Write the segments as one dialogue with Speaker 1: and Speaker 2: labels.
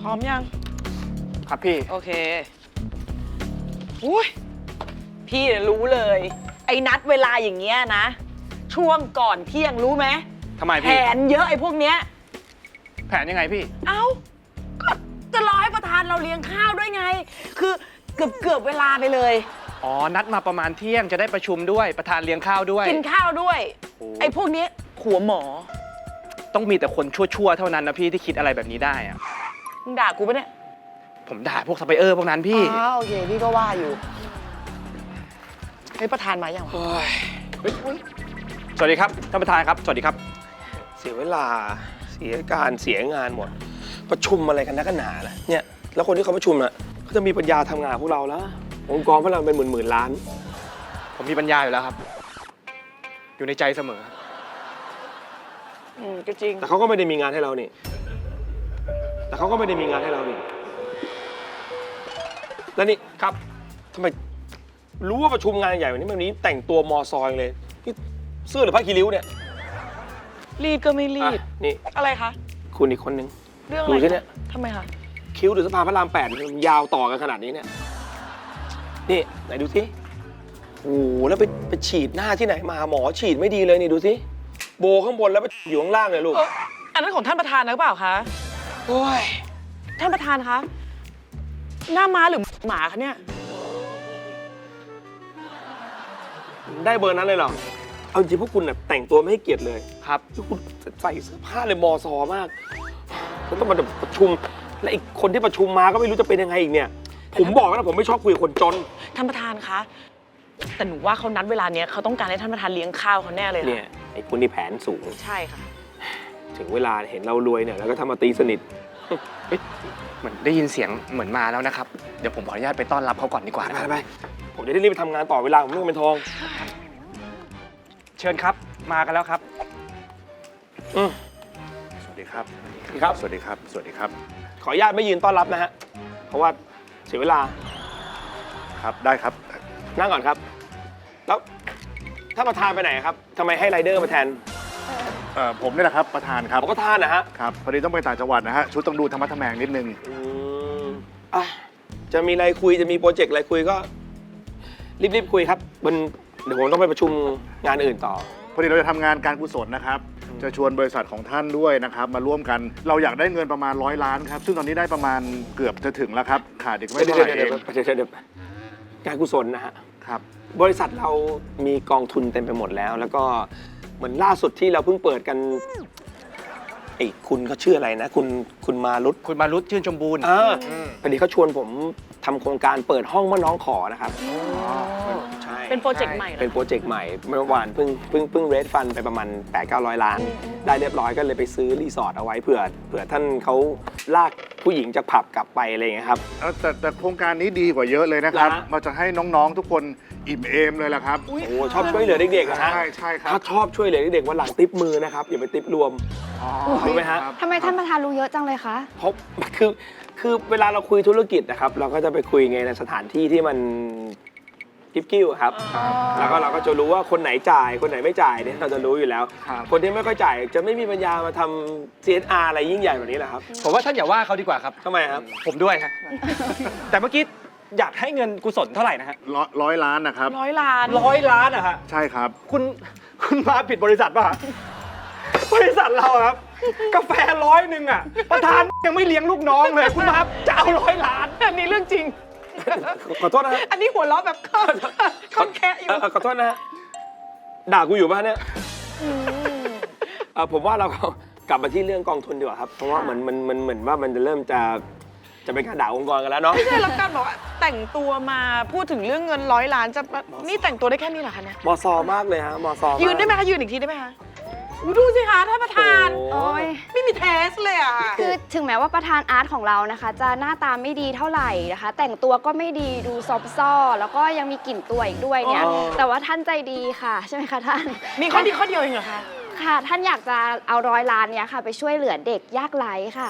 Speaker 1: พร้อมยัง
Speaker 2: ครับพี่
Speaker 1: โอเคอุ้ยพี่รู้เลย ไอ้นัดเวลาอย่างเงี้ยนะ ช่วงก่อนเที่ยงรู้ไหม
Speaker 2: ทำไม
Speaker 1: แผ
Speaker 2: พี่
Speaker 1: นเยอะไอ้พวกเนี้ย
Speaker 2: แผนยังไงพี่
Speaker 1: เอ้า ก็จะรอให้ประธานเราเลี้ยงข้าวด้วยไง คือเกือบเวลาไปเลย
Speaker 2: อ๋อ นัดมาประมาณเที่ยงจะได้ประชุมด้วย ประธานเลี้ยงข้าวด้วย
Speaker 1: กินข้าวด้วย
Speaker 2: โอ้
Speaker 1: ไอ้พวกเนี้ยหัวหมอ
Speaker 2: ต้องมีแต่คนชั่วๆเท่านั้นนะพี่ที่คิดอะไรแบบนี้ได้อะ
Speaker 1: มึงด่ากูปะเนี่ย
Speaker 2: ผมด่าพวกซัพพลายเออร์พวกนั้นพี่
Speaker 1: อ๋อโอเค พี่ก็ว่าอยู่เฮ้ยประธานมาอย่างวะ
Speaker 2: สวัสดีครับท่านประธานครับ สวัสดีครับ
Speaker 3: เสียเวลาเสียการเสียงานหมด ประชุมอะไรกันนักกันหนาล่ะเนี่ยแล้วคนที่เขาประชุมอ่ะเขาจะมีปัญญาทำงานพวกเราแล้วองค์กรพวกเราเป็นหมื่นล้าน
Speaker 2: ผมมีปัญญาอยู่แล้วครับ อยู่ในใจเสมอ
Speaker 1: ก็จริง
Speaker 3: แต่เขาก็ไม่ได้มีงานให้เรานี่แต่เขาก็ไม่ได้มีงานให้เรานี่แล้วนี่ครับทำไมรู้ว่าประชุมงานใหญ่วันนี้แต่งตัวมอซอยเลยนี่เสื้อหรือผ้าคีริ้วเนี่ย
Speaker 1: รีดก็ไม่รีด
Speaker 3: อ่ะนี่
Speaker 1: อะไรคะ
Speaker 3: คุณอีกคนนึง
Speaker 1: เรื่องอะไร
Speaker 3: ดูสิเนี่ย
Speaker 1: ทำไมคะ
Speaker 3: คิ้วหรือสะพานพระราม8มันยาวต่อกันขนาดนี้เนี่ย นี่ไหนดูสิโอ้โหแล้วไปฉีดหน้าที่ไหนมาหมอฉีดไม่ดีเลยนี่ดูสิโบข้างบนแล้วไปอยู่ข้างล่างเลยลูก
Speaker 1: อันนั้นของท่านประธานนะหรือเปล่าคะ
Speaker 3: โอ้ย
Speaker 1: ท่านประธานคะ หน้าม้าหรือหมาคะเนี่ย
Speaker 3: ได้เบอร์นั้นเลยเหรอ เอาจริงพวกคุณน่ะแต่งตัวไม่ให้เกียรติเลย
Speaker 2: ครับ
Speaker 3: พวกคุณใส่เสื้อผ้าเลยมอซอมากแล้วต้องมาประชุม และอีกคนที่ประชุมมาก็ไม่รู้จะเป็นยังไงอีกเนี่ย ผมบอกแล้วนะผมไม่ชอบคุยกับคนจน
Speaker 1: ท่านประธานคะ แต่หนูว่าเขานัดเวลาเนี้ยเขาต้องการให้ท่านประธานเลี้ยงข้าวเขาแน่เลย
Speaker 3: เนี่
Speaker 1: ค่ะ
Speaker 3: ยไอ้คุณนี่แผนสูง
Speaker 1: ใช่ค่ะ
Speaker 3: ถึงเวลาเห็นเรารวยเนี่ยแล้วก็ทำมาตีสนิท
Speaker 2: เหมือนได้ยินเสียงเหมือนมาแล้วนะครับ เดี๋ยวผมขออนุญาตไปต้อนรับเขาก่อนดีกว่านะครับ
Speaker 3: ไปผมจะได้รีบไปทำงานต่อเวลาผมเรื่องเป็นทอง
Speaker 2: เชิญครับ มากันแล้วครับ
Speaker 3: อืม
Speaker 4: สวัสดีครับ
Speaker 3: ครับ
Speaker 4: สวัสดีครับ สวัสดีครับ
Speaker 3: ขออนุญาตไม่ยืนต้อนรับนะฮะ เพราะว่าเสียเวลา
Speaker 4: ครับ ได้ครับ
Speaker 3: นั่งก่อนครับ แล้วถ้านประธานไปไหนครับทำไมให้ไรเดอร์มาแทน
Speaker 4: ผมนี่แหละครับประธานครับ
Speaker 3: ผมก็ทานนะฮะ
Speaker 4: ครับ พอดีต้องไปต่างจังหวัดนะฮะ ชุดต้องดูธรรมะทแมงนิดนึง
Speaker 3: อ่ะจะมีอะไรคุยจะมีโปรเจกต์อะไรคุยก็ รีบคุยครับเดี๋ยวผมต้องไปประชุมงานอื่นต่อ
Speaker 4: พอดีเราจะทำงานการกุศลนะครับ จะชวนบริษัทของท่านด้วยนะครับ มาร่วมกัน เราอยากได้เงินประมาณ100 ล้านครับ ซึ่งตอนนี้ได้ประมาณเกือบจะถึงแล้วครับ ขาดอีกไม่เท่าไหร่เอง
Speaker 3: เดี๋ยวการกุศลนะฮะ
Speaker 4: ครับ
Speaker 3: บริษัทเรามีกองทุนเต็มไปหมดแล้ว แล้วก็เหมือนล่าสุดที่เราเพิ่งเปิดกันไอ้คุณเขาชื่ออะไรนะ คุณมารุต
Speaker 2: คุณมารุตชื่นชมบูรณ์
Speaker 3: พอดีเขาชวนผมทำโครงการเปิดห้องเมื่อน้องขอนะครับใช่
Speaker 1: เป็นโปรเจกต์ใหม่เหรอ
Speaker 3: เป็นโปรเจกต์ใหม่เมื่อวานเพิ่งเรดฟันไปประมาณ 800-900 ล้าน ได้เรียบร้อยก็เลยไปซื้อรีสอร์ทเอาไว้เผื่อท่านเขาลากผู้หญิงจากผับกลับไปอะไรอย่างเงี้ยครับ
Speaker 4: แต่โครงการนี้ดีกว่าเยอะเลยนะครับ
Speaker 3: นะ
Speaker 4: เราจะให้น้องๆทุกคนอิ่มเอมเลยล่ะครับ
Speaker 3: โอ้ชอบช่วยเหลือเด็กๆนะฮะ
Speaker 4: ใช่ครับ
Speaker 3: ถ้าชอบช่วยเหลือเด็กๆวันหลังติปมือนะครับอย่าไปติปรวม รู้ไหมฮะ
Speaker 4: ครับ
Speaker 5: ทำไมท่านประธานรู้เยอะจังเลยคะ
Speaker 3: เพราะคือเวลาเราคุยธุรกิจนะครับ เราก็จะไปคุยไงในสถานที่ที่มันกิ๊บกิ้วครับ แล้วก็เราก็จะรู้ว่าคนไหนจ่ายคนไหนไม่จ่ายเนี่ยเราจะรู้อยู่แล้ว
Speaker 4: ครับ
Speaker 3: คนที่ไม่ค่อยจ่ายจะไม่มีปัญญามาทำ CSR อะไรยิ่งใหญ่แบบนี้แหละครับ
Speaker 2: ผมว่าท่านอย่าว่าเขาดีกว่าครับ
Speaker 3: ทำไมครับ
Speaker 2: ผมด้วยครับ แต่เมื่อกี้อยากให้เงินกุศลเท่าไหร่นะฮะ
Speaker 4: 100 ล้านนะครับ
Speaker 1: 100 ล้าน
Speaker 2: 100 ล้านอะฮะ
Speaker 4: ใช่ครับ
Speaker 2: คุณมาผิดบริษัทป่ะฮะบริษัทเราอะครับ กาแฟ100อะประธานยังไม่เลี้ยงลูกน้องเลย คุณมาจะเอา100 ล้าน
Speaker 1: อันนี้เรื่องจริง
Speaker 3: ขอโทษนะฮะ
Speaker 1: อันนี้หัวเราะแบบค่อนแคะอยู่
Speaker 3: ขอโทษนะฮะด่ากูอยู่ป่ะเนี่ยผมว่าเรากลับมาที่เรื่องกองทุนดีกว่าครับ เพราะว่าเหมือนว่ามันจะเริ่มจะเป็นการด่าองค์กรกันแล้วเนาะ
Speaker 1: ไม่ใช่แล้วกันบอกว่าแต่งตัวมาพูดถึงเรื่องเงิน100 ล้านจะนี่แต่งตัวได้แค่นี้เหรอคะเนี่ย
Speaker 3: มอซอมากเลยฮะมอซอมาก
Speaker 1: ยืนได้ไหมคะยืนอีกทีได้ไหมคะอุ๊ยดูสิคะท่านประธาน
Speaker 3: โอ้
Speaker 5: โอ้ย
Speaker 1: ไม่มีเทสเลยอ่ะ
Speaker 5: คือถึงแม้ว่าประธานอาร์ตของเรานะคะ จะหน้าตาไม่ดีเท่าไหร่นะคะ แต่งตัวก็ไม่ดีดูซอบซ่อแล้วก็ยังมีกลิ่นตัวอีกด้วยเนี่ย
Speaker 3: อ๋อ
Speaker 5: แต่ว่าท่านใจดีค่ะ ใช่ไหมคะท่าน
Speaker 1: มีข้อดีข้อเดียวเองเหรอคะ
Speaker 5: ค่ะ ท่านอยากจะเอา100 ล้านเนี่ยค่ะ ไปช่วยเหลือเด็กยากไร้ค่ะ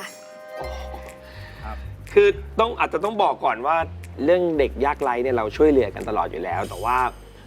Speaker 3: คืออาจจะต้องบอกก่อนว่าเรื่องเด็กยากไร้เนี่ยเราช่วยเหลือกันตลอดอยู่แล้ว แต่ว่า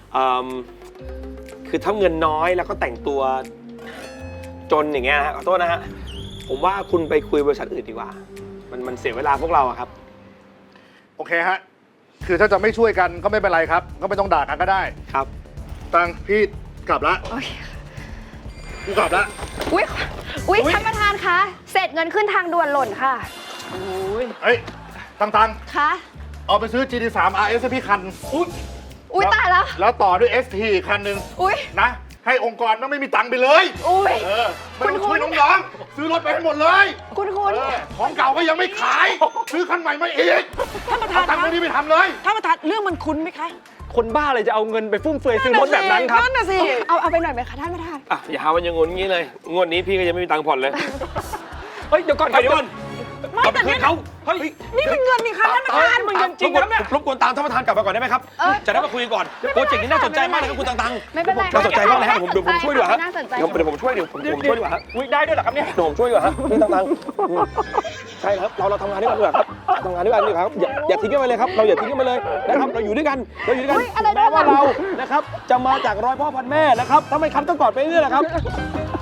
Speaker 3: คือถ้าเงินน้อยแล้วก็แต่งตัวจนอย่างเงี้ยฮะขอโทษนะฮะผมว่าคุณไปคุยบริษัทอื่นดีกว่ามันเสียเวลาพวกเราอะครับ
Speaker 4: โอเคฮะ คือถ้าจะไม่ช่วยกันก็ไม่เป็นไรครับ ก็ไม่ต้องด่ากันก็ได้
Speaker 3: ครับ
Speaker 4: ตังพี่กลับละ
Speaker 5: โอเค
Speaker 4: กูกลับละ
Speaker 5: อุ๊ยท่านประธานคะ เสร็จเงินขึ้นทางด่วนหล่นค่ะ
Speaker 4: เฮ้ย ตัง
Speaker 5: คะ
Speaker 4: เอาไปซื้อ GT3 RS ให้พี่คัน
Speaker 5: อุ๊ยตายแล้ว
Speaker 4: แล้วต่อด้วย ST อีกคันหนึ่ง
Speaker 5: อุ๊ย
Speaker 4: นะ ให้องค์กรต้องไม่มีตังค์ไปเลย
Speaker 5: อุ๊ย
Speaker 4: เออไม่ต้องช่วยน้องๆซื้อรถไปให้หมดเลย
Speaker 5: คุณ
Speaker 4: เออของเก่าก็ยังไม่ขาย ซื้อคันใหม่มาอีก
Speaker 1: ท่านประธาน
Speaker 4: เอาตังค์พวกนี้ไปทำเลย
Speaker 1: ท่านประธานเรื่องมันคุ้นไหมคะ
Speaker 2: คนบ้าเลยจะเอาเงินไปฟุ่มเฟือยซื้อรถแบบนั้นครับ
Speaker 1: นั่นน่ะสิ
Speaker 5: เอาไปหน่อยไหมคะท่านประธาน
Speaker 3: อ่ะอย่าหาวันยังงนงี้เลย งวดนี้พี่ก็ยังไม่มีตังค์ผ่อนเลย
Speaker 2: เฮ้ยเดี๋ยวก่อนครับ
Speaker 3: เดี๋ยวก่อน
Speaker 1: ไม่
Speaker 3: เอาไป
Speaker 1: แต่
Speaker 3: คื
Speaker 1: เนี่ย
Speaker 3: นเขา
Speaker 2: เฮ้ย
Speaker 1: นี่เป็นเงินนี่คะท่านประธานมันเงินจริงนะเนี่ย
Speaker 3: รบกวนตามท่านประธานกลับมาก่อนได้ไหมครับ จะได้มาคุยกันก่อน โปรเจกต์นี้น่าสนใจมากนะครับคุณตังๆ
Speaker 5: ไม่เป็นไร
Speaker 3: น่าสนใจมากเลยครับผมเดี๋ยวผมช่วยดีกว่าครับ
Speaker 5: น่าสนใจ
Speaker 3: เดี๋ยวผมช่วยเดี๋ยวผมช่วยดีกว่าครับ
Speaker 2: อุ๊ยได้ด้วยเหรอครับเนี่ย
Speaker 3: เดี๋ยวผมช่วยดีกว่าครับพี่ตังๆใช่ครับเราทำงานด้วยกันดีกว่าครับทำงานด้วยกันดีกว่าครับอย่าทิ้งกันไปเลยครับ เราอย่าทิ้งกันไปเลยนะครับเราอยู่ด้วยกันถึงแม้ว่าเรานะครับจะมาจากร้อยพ่อพันแม่นะครับถ้าไม่คันต้องกอดไปเรื่อยๆนะครับ